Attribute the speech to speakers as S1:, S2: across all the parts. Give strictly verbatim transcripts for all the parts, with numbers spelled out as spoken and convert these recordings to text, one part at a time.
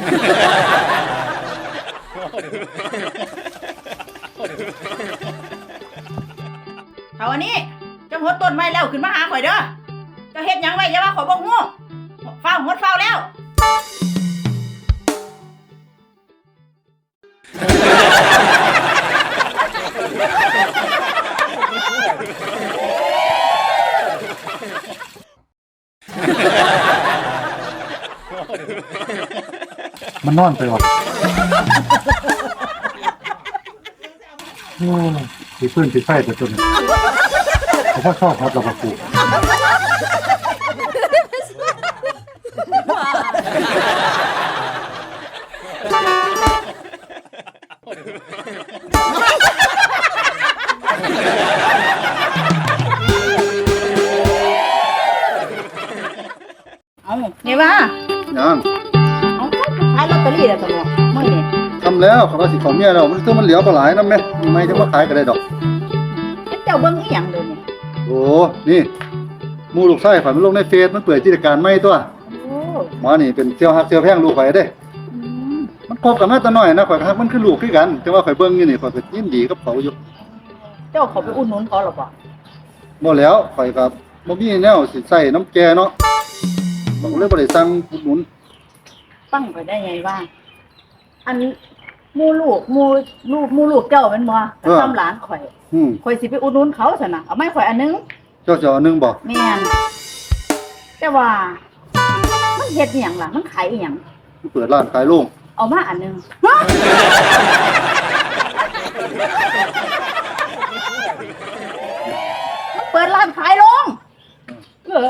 S1: เอาอันนี้จะหดต้นไม้แล้วขึ้นมาหาข่อยเด้อจะเฮ็ดหยังไว้อย่าว่าข่อยบ่ฮู้เฝ้าหดเฝ้าแล้ว
S2: มันนอนไปวะโอ้ยพื้นติดไฟแต่จนเขาพ่อชอบครับเราปลูก
S1: เอานี่ว่า
S2: ยัง
S1: เอาขายลอตเตอรี่แล้วตัวมื้อนี้
S2: ทำแล้วเขาว่าสิเขาเมียเรามันต้องมันเหลียวปลาไหลนั่นไหมไม่จะมาขายกันได้ดอก
S1: เจ้าเบิ่งอีหยังเด้อนี่
S2: โอ้นี่มูลูกไส้ข่อยมันลงในเฟซมันเปิดกิจการไม่ตัว
S1: โอ้
S2: หมอนี่เป็นเซียวฮักเซียวแพงลูกข่อยเด้มันคบกันมาแต่น้อยนะข่อยฮักมันคือลูกคือกันแต่ว่าข่อยเบิ่งอยู่นี่ข่อยก็ยินดีกับเขาอยู่
S1: เจ้าเขาไปอุดหนุนเขาหรอบ่
S2: บ่แล้วข่อยก็บ่มีแนวสิใส่น้ำแกเนาะบ่เลยบ่ได้สั่งอุดหนุน
S1: ตั้งไปได้ไงว่าอันหมู่ลูกหมู่ลูกหมู่ลูกเจ้าแม่นบ่ทำหลานข่อย
S2: อืม
S1: ข่อยสิไปอุดหนุนเขาซั่นน่ะเอาไม้ข่อยอันนึง
S2: เจ้าจะเอานึงบ่
S1: แม่นแต่ว่ามันเฮ็ดอีหยังล่ะมันขายอีหยัง
S2: เปิดร้านขายโรง
S1: เอามาอันนึงมันเปิดร้านขายโรงเออ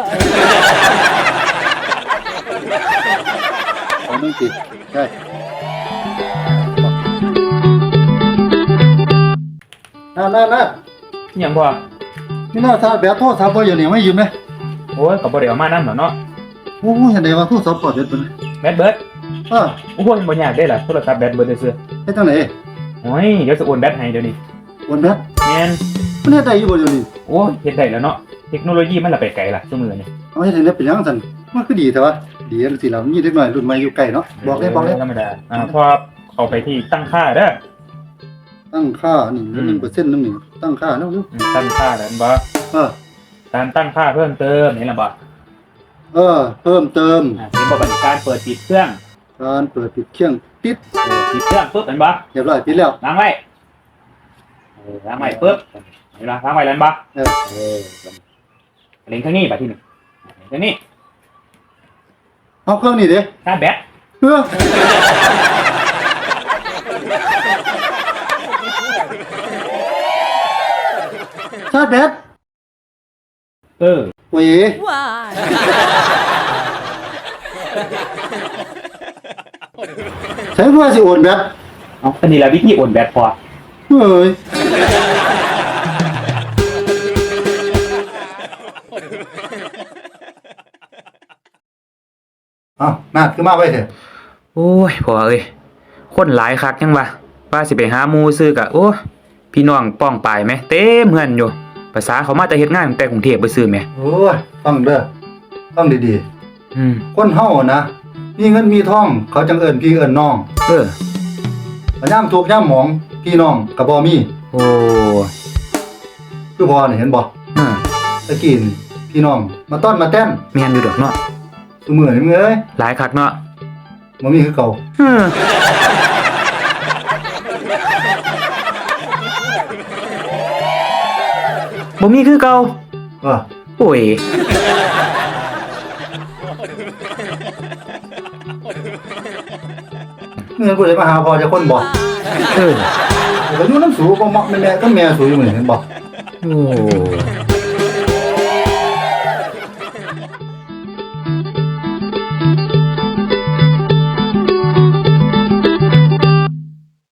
S2: เอานึงสิใช่นั่นๆๆ
S3: ยังบ่
S2: นี่น่าซาแบบโทรศัพท์บ่อยู่นี่ไม่ยืมเลย
S3: โอ้ยก็บ่ได้เอามานำหรอกเนาะ
S2: โอ้ยเห็นได้ว่าโทรศัพท์ปลอดเด็ดเพิ่น
S3: แบตเบิด
S2: เออ
S3: โอ้ยบ่ยากเด้ล่ะโทรศัพท์แบตเบิดซื่อ
S2: เฮ็ดจังได๋
S3: โอ้ยเดี๋ยวสิโอนแบตให้เดี๋ยวนี้
S2: โอนแบต
S3: แม่น
S2: มันเฮ็ดได้อยู่บ่เดี๋ยวนี้
S3: โอ้ยเฮ็ดได้แล้วเนาะเทคโนโลยีมันละไปไกลล่ะซุมื้อนี้
S2: เอาเฮ็ดได้เป็นหยังซั่นมันคือดีแท้วะดีจังซี่ล่ะมีเด็กน้อยรุ่นใหม่อยู่ใกล้เนาะบอกได้บอกได้
S3: ธรรมดาอ่าพอเข้าไปที่ตั้งค่าเด้อ
S2: ตั้งค่านี่ หนึ่งเปอร์เซ็นต์ นึงนี่ตั้งค่าเนาะ
S3: ตั้งค่าแล้วบ่
S2: เออ
S3: การตั้งค่าเพิ่มเติมนี่ล่ะบ่
S2: เออเพิ่มเติม
S3: อ่าสิบ่เป็นการเปิดปิดเครื่อง
S2: การเปิดปิดเครื่องปิด
S3: เปิดปิดเครื่องปึ๊บเห็นบ่
S2: เรียบร้อยปิดแล้ว
S3: ล้างไว้เออล้างไว้ปึ๊บเห็นบ่ล้างไว้แล้วบ่
S2: เออ
S3: เออเล็งข้างนี้บัดทีนี้เล็งข้างนี้
S2: เอาเครื่องนี่เด้
S3: ชาร์จแบต
S2: เออชาร์จแบต
S3: เออ
S2: โอ้ยใช้เพื่อสิโอนแบต
S3: เอาอันนี้แหละวิธีโอนแบตพอ
S2: เฮ้ยอ้าวนาดขึ้นมาไว้เถอะ
S3: โอ้ยพอเอ้ยคนหลายคักยังวะว่าสิไปหาหมู่ซื้อกะโอ้พี่น้องป้องปายไหมเต็มเฮือนอยู่ภาษาเขามาแต่เฮ็ดงานแต่กรุงเทพไปซื้อแม่
S2: โอ้ยฟังเด้อฟังดี
S3: ๆอืม
S2: คนเฮานะมีเงินมีทองเขาจังเอิ้นพี่เอิ้นน้อง
S3: เอ
S2: อยามทุกข์ยามหมองพี่น้องก็บ่มี
S3: โอ้
S2: คือพอนี่เห็นบ่
S3: อ่า
S2: ตะกี้นี่พี่น้องมาต้อนมาแต้น
S3: แม่นอยู่ดอกเนาะ
S2: ซุมื้อนี้มึงเอ้ย
S3: หลายคักเนาะ
S2: บ่มีคือเก่า
S3: เออบ่มีคือเก่า
S2: เออ
S3: โอ้ย
S2: เงินผู้ใดมาหาพ่อจะคนบ่
S3: เออ
S2: ก็อยู่นำสูบ่เหมาะแม่ๆก็แม่สูอยู่มื้อนี้เห็นบ่
S3: โอ้